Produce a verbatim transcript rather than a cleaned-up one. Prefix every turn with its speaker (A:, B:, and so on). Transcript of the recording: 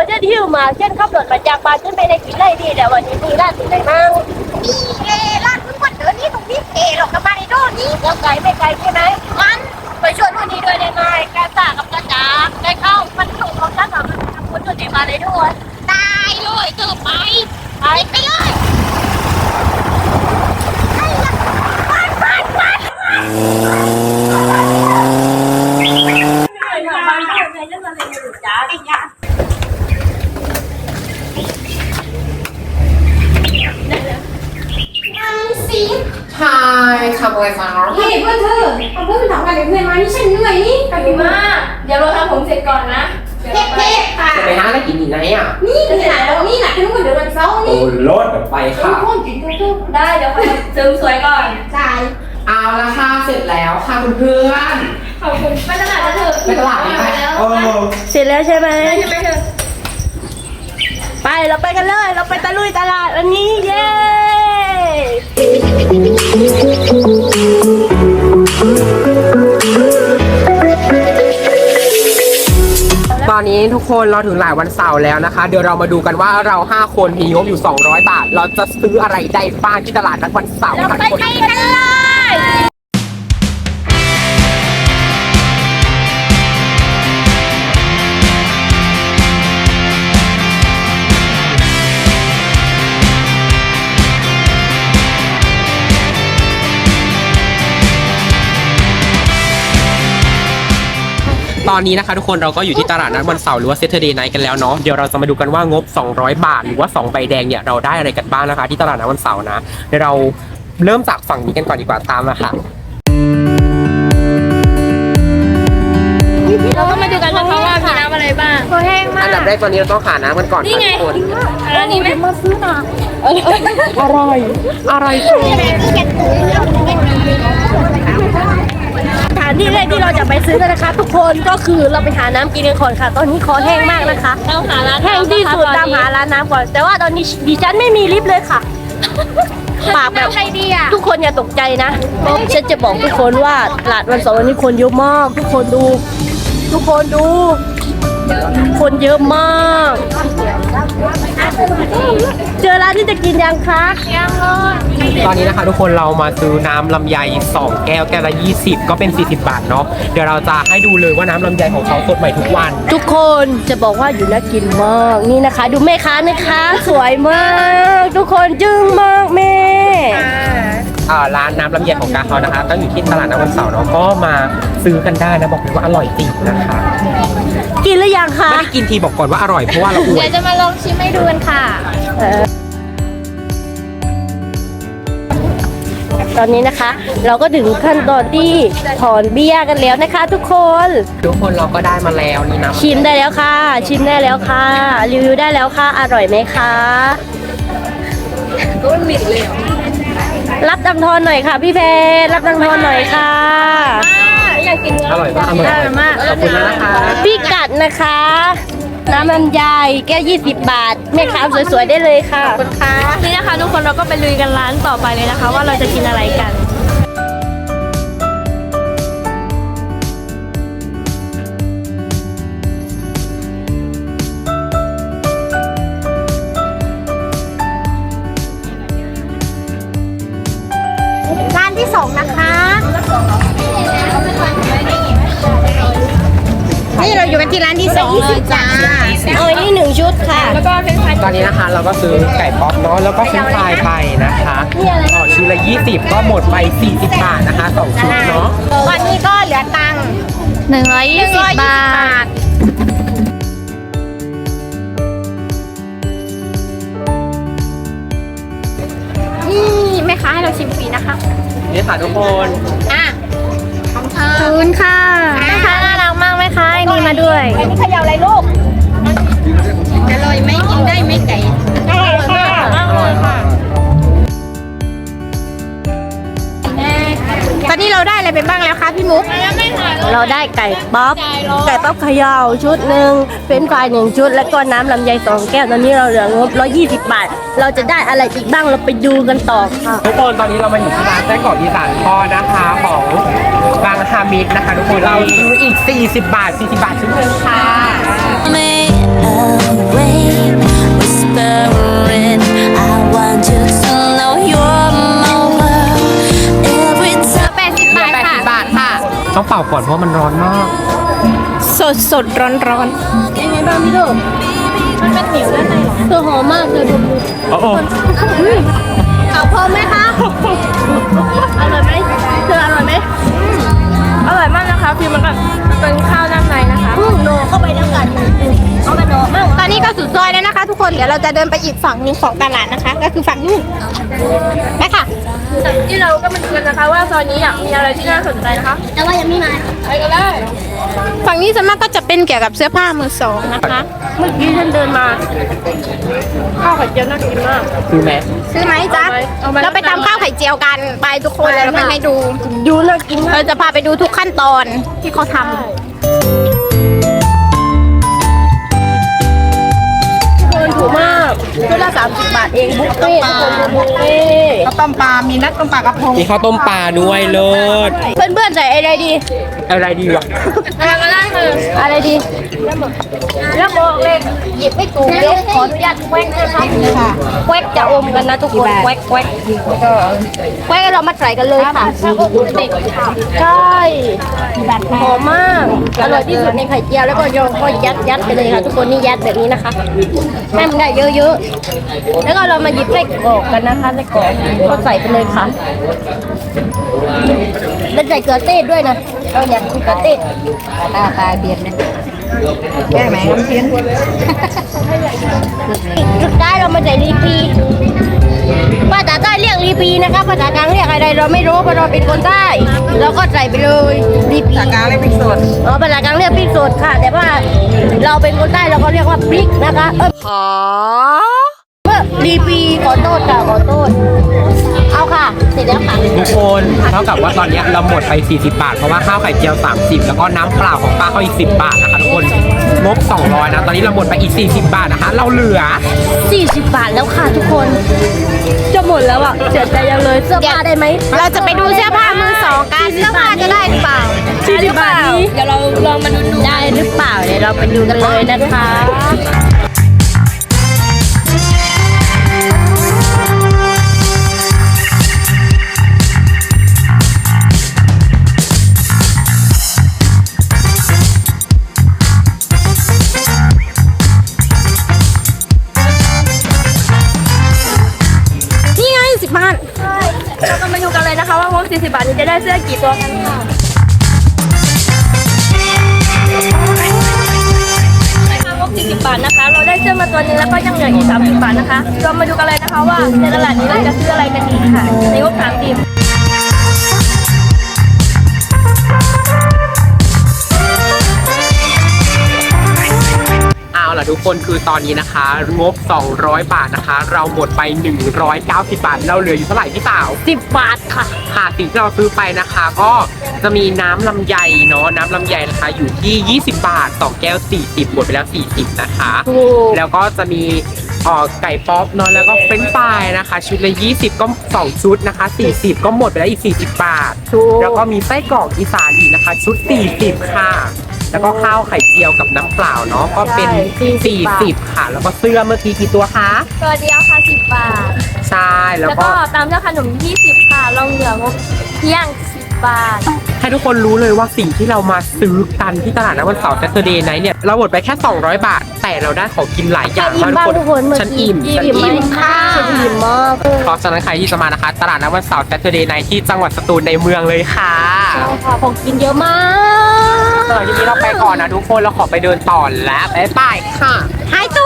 A: เช่นหิ้วมาเช่นขับรถมาจากบ้านเช่นไม่ได้กินอะไรดีแต่วันนี้มีร้านที่ไหนบ้างมีเอร้านคุณวันเดินนี่ตรงนี้เอหรอกกับมาในโน่นนี่แล้วไกลไม่ไกลใช่ไหมมันไปชวนวันนี้ด้วยได้ไหมกาตากับกาจ๋าได้เข้ามันถูกของท่านแบบคุณตัวนี้มาเลยด้วยได้เลยเจอไปไปไปเลยปัดปัดปัด
B: ใช่ทำอะไรฟ้าเฮ้ยเพื่อนเธอเอาเพื่อนไปทำงานกับเพื่อนมานี่ฉันเหนื่อยนี่ไปมากเดี๋ยวเราทำผมเสร็จก่อนนะเทปเทปค่ะจะไปหาอะไรกินอีกไหนอ่ะนี่ที่ไหนแล้วนี่น่ะที่นู่นเดี๋ยววันเสาร์นี่โอ้รถไปค่ะทุกคนกินทุกๆได้เดี๋ยวไปเสริมสวยก่อนใช่เอาละค่ะเสร็จแล้วค่ะเพื่อนขอบคุณไปตลาดแล้วเถอะไปตลาดไปแล้ว
A: เสร็จแล้วใช่ไหมไปเราไปกันเลยเราไปตะลุยตลาดวันนี้เย้
B: ตอนนี้ทุกคนเราถึงหลายวันเสาร์แล้วนะคะเดี๋ยวเรามาดูกันว่าเราห้าคนมีงบอยู่สองร้อยบาทเราจะซื้ออะไรได้บ้างที่ตลาดนัดวันเสาร์ค่ะทุกคนกันเลยตอนนี้นะคะทุกคนเราก็อยู่ที่ตลาดนัดวันเสาร์หรือว่า Saturday Night กันแล้วเนาะเดี๋ยวเราจะมาดูกันว่างบสองร้อยบาทหรือว่าสองใบแดงเนี่ยเราได้อะไรกันบ้างนะคะที่ตลาดนัดวันเสาร์นะเดี๋ยวเราเริ่มจากฝั่งนี้กันก่อนดีกว่าตามมาค่ะ
A: เราก็มาดูกันนะคะว่ามีน้ำอะไรบ้างโคแห้งมาก
B: อันดับแรกตอนนี้เราต้องหาน้ำกันก่อนค่ะทุกคน
A: อันนี้ไม่มาซื้อน้ำอ
B: ร่อยอร่อย
A: สถานที่แรกที่เราจะไปซื้อกันนะคะทุกคนก็คือเราไปหาน้ำกินกันก่อนค่ะตอนนี้คอแห้งมากนะคะเราหาร้านแห้งที่สุดตามหาร้านน้ำก่อนแต่ว่าตอนนี้ดิฉันไม่มีลิฟต์เลยค่ะปากแบบทุกคนอย่าตกใจนะฉันจะบอกทุกคนว่าตลาดวันเสาร์วันนี้คนเยอะมากทุกคนดูทุกคนดูคนเยอะมากเจอร้านที่จะกินยังคะยังเลย
B: ตอนนี้นะคะทุกคนเรามาซื้อน้ำลำไยสองแก้วแก้วละยี่สิบก็เป็นสี่สิบบาทเนาะเดี๋ยวเราจะให้ดูเลยว่าน้ำลำไยของเขาสดใหม่ทุกวัน
A: ทุกคนจะบอกว่าอยู่น่ากินมากนี่นะคะดูแม่ค้านะคะสวยมากทุกคนจึ้งมากแม่
B: อ่าร้านน้ำลำไยของกาเขานะคะตั้งอยู่ที่ตลาดนัดวันเสาร์เนาะก็มาซื้อกันได้นะบอกเลยว่าอร่อยจริงนะคะ
A: กินหรือยังคะ
B: ไม่ได้กินทีบอกก่อนว่าอร่อยเพราะว่าเราอวย
A: เดี๋ยวจะมาลองชิมให้ดูกันค่ะตอนนี้นะคะเราก็ถึงขั้นตอนที่ถอนเบี้ยกันแล้วนะคะทุกคน
B: ทุกคนเราก็ได้มาแล้วนี่นะ
A: ชิมได้แล้วค่ะชิมได้แล้วค่ะรีวิวได้แล้วค่ะอร่อยไหมคะก็มันมิดเลยรับตังทอนหน่อยค่ะพี่เพชรรับตังทอนหน่อยค่ะอยากกิน
B: อร่อยมากอร่อยมากขอบคุณนะคะ
A: พี่กัดนะคะน้ำลำไยแก้วยี่สิบบาทแม่ค้าสวยๆได้เลยค่ะขอบคุณค่ะนี่นะคะทุกคนเราก็ไปลุยกันร้านต่อไปเลยนะคะว่าเราจะกินอะไรกันร้านที่สองนะคะนี่เราอยู่กันที่ร้านที่สองเลยจ้าโอ้ยนี่หนึ่งชุดค่ะแล้วก็เป็น
B: ตอนนี้นะคะเราก็ซื้อไก่ป๊อปเนาะแล้วก็เฟรนช์ฟรายไปนะคะต่อชุดละยี่สิบก็หมดไปสี่สิบบาทนะคะสองชุดเนาะ
A: วันนี้ก็เหลือตังค์หนึ่งร้อยยี่สิบบาทนี่แม่ค้าให้เราชิมฟรีนะคะ
B: นี่ค่ะทุกคน
A: อ่ะขอบคุณค่ะแม่ค้าน่ารักมากแม่ค้านี่มาด้วยอันนี้เขย่าอะไรลูกอร่อยไหมกินได้ไหมไก่อร่อยค่ะอร่อยค่ะตอนนี้เราได้อะไรไปบ้างแล้วคะพี่มุกเราได้ไก่ป๊อปไก่ป๊อปเขย่าชุดหนึ่งเฟรนช์ฟรายหนึ่งชุดแล้วก็น้ำลำไยสองแก้วตอนนี้เราเหลืองบร้อยยี่สิบบาทเราจะได้อะไรอีกบ้างเราไปดูกันต่อค่ะ
B: ทุกคนตอนนี้เรามาอยู่ที่ร้านไส้กรอกอีสานทอดนะคะของบางฮามิดนะคะทุกคนเราซื้ออีกสี่สิบบาทสี่สิบบาทชุดหนึ่งค่ะเป่าก่อนเพราะมันร้อนมาก
C: สดสดร้อนร้อน
A: เป็นไงบ้างพี่โดมันเป็นเหนียวด้านในหรอเธอหอมมากเลยผมดู
B: โอ้โห
A: เอาพร้อมไหมคะอร่อยไหมเธออร่อยไหม
C: อร่อยมากนะคะคือมันแบบเป็นข้าวด้านในนะคะ
A: อืมโนเข้าไปแล้วกันเอาไปโนมั่ง
C: ตอนนี้ก็สุดซอยแล้วนะคะ ทุกคนเดี๋ยวเราจะเดินไปอีกฝั่งหนึงของตลาดนะคะ ก็คือฝั่งนู้นไปค่ะที่เราก็มาดูกันนะคะว่าซอยนี้อ่ะมีอะไรที่น่าสนใจนะคะ
A: แต่ว่ายังไม่มา
C: ไปกันเลยฝั่งนี้ส่วนมากก็จะเป็นเกี่ยวกับเสื้อผ้ามือสองนะคะ
A: เมื่อกี้ฉันเดินมาข้าวไข่เจียวน่ากินมาก
B: คือไหม
C: ซื้อไหมจ๊ะ
A: เอาไหม
C: เราไปตำข้าวไข่เจียวกันไปทุกคนแล้วเราไปให้ดู
A: ดูน่ากินมาก
C: เราจะพาไปดูทุกขั้นตอนที่เขาทำ
A: คนถูกมากชุดละสามสิบบาทเองบุฟเฟ่ต์ทุกคนดูบุฟเฟ่ต์
D: ข้าวต้มปลา มีนัดต้มปลากระพง
B: มีข้าวต้มปลาด้วยเลิศ
A: เพื่อนๆใส่อะไรดี
B: อะไรดีวะ
C: อะไรก็ได้คือ
A: อะไรดีแล้วบอกเลขหยิบไม่ถูกเลขขออนุญาตแควกนะคะแควกจะอมกันนะทุกคนแควกแควกแควกเรามาใส่กันเลยค่ะใช่หอมมากอร่อยที่สุดในไข่เจียวแล้วก็โยนก็ยัดยัดไปเลยค่ะทุกคนนี่ยัดแบบนี้นะคะให้มันได้เยอะๆแล้วก็เรามาหยิบไส้กรอกกันนะคะไส้กรอกก็ใส่ไปเลยค่ะแล้วใส่เกลือเต้ด้วยนะเราอยากกินเกลือเต้
D: ตาตาเบียดเนี่ยแก้ไหมน้ำเพี้ยน
A: สุดท้ายเรามาใส่รีพีภาษาใต้เรียกรีพีนะคะภาษากลางเรียกอะไรเราไม่รู้เพราะเราเป็นคนใต้เราก็ใส่ไปเลยรีพี
D: ตากลางเลยพริกสด
A: อ๋อภาษากลางเรียกพริกสดค่ะ แต่ว่าเราเป็นคนใต้เราก็เรียกว่าพริกนะคะเออเออรีพีขอโทษค่ะขอโทษเอาค่ะเสร็จแล้วค่ะ
B: ทุกคนเท่ากับว่าตอนนี้เราหมดไปสี่สิบบาทเพราะว่าข้าวไข่เจียวสามสิบแล้วก็น้ำเปล่าของป้าเขาอีกสิบบาทนะคะทุกคนงบสองร้อยนะตอนนี้เราหมดไปอีกสี่สิบบาทนะคะ เราเหลือ
A: สี่สิบบาทแล้วค่ะทุกคนจะหมดแล้วอ่ะเสียใจยังเลยเสื้อผ้าได้ไหม
C: เราจะไปดูเสื้อผ้ามือสองกันเสื้อผ้าจะได้หรือเปล่า
A: สี่สิบบาทนี้
C: เดี๋ยวเราลองมาดู
A: ได้หรือเปล่าเดี๋ยวเราไปดูกันเลยนะคะ
C: นี่ไงสิบบาท
A: เราก็มาดูกันเลยนะคะว่างบสี่สิบบาทนี้จะได้เสื้อกี่ตัวกันค่ะงบสี่สิบบาทนะคะ เราได้เสื้อมาตัวนึงแล้วก็ยังเหลืออีกสามสิบบาทนะคะเรามาดูกันเลยนะคะว่าในตลาดนี้เราจะซื้ออะไรกันดีค่ะในงบสามสิบ
B: เอาล่ะทุกคนคือตอนนี้นะคะงบสองร้อยบาทนะคะ เราหมดไปหนึ่งร้อยเก้าสิบบาทเราเหลืออยู่เท่าไหร่พี่สาว
A: สิบบาทค่ะ
B: ค่ะสิ่งที่เราซื้อไปนะคะก็จะมีน้ำลำไยเนาะน้ำลำไยนะคะอยู่ที่ยี่สิบบาทสองแก้วสี่สิบหมดไปแล้วสี่สิบนะคะ
A: ถูก
B: แล้วก็จะมีเอ่อไก่ป๊อปเนาะแล้วก็เฟรนช์ฟรายนะคะ ชุดละยี่สิบก็สองชุดนะคะสี่สิบก็หมดไปแล้วอีกสี่สิบบาท
A: ถูก
B: แล้วก็มีไส้กรอกอีสานอีกนะคะ ชุดสี่สิบค่ะ แล้วก็ข้าวไข่เจียวกับน้ำเปล่าเนาะก็เป็น
A: ใช่สี่
B: สี่
A: สิบบาท
B: สิบค่ะ แล้วก็เสื้อเมื่อกี้กี่ตัวคะ
A: ตัวเดียวค่ะสิบบาท
B: ใช่แล้ว
A: แล้ว
B: ก็
A: ก็ตามด้วยขนมยี่สิบค่ะเราเหลืองบเที่ยงสิบบาท
B: ให้ทุกคนรู้เลยว่าสิ่งที่เรามาซื้อกันที่ตลาดนัดวันเสาร์ Saturday Night เนี่ยเราหมดไปแค่สองร้อยบาท แต่เราได้ของกินหลายอย่าง
A: อิ่ม
B: มาก
A: บ้างทุกคนเมื่อ
B: ฉัน
A: กี้
B: อิ่มฉัน
A: อิ่ม
B: อิ่ม
A: มากฉันอิ่มมาก
B: เพราะฉะนั้นใครที่จะมานะคะ ตลาดนัดวันเสาร์ Saturday Night ที่จังหวัดสตูลในเมืองเลยค่ะ
A: ใช่ค่ะของกินเยอะมาก
B: สำหรับทีนี้เราไปก่อนนะทุกคนเราขอไปเดินต่อแล้วบ๊ายบายค่ะ
C: หายตัว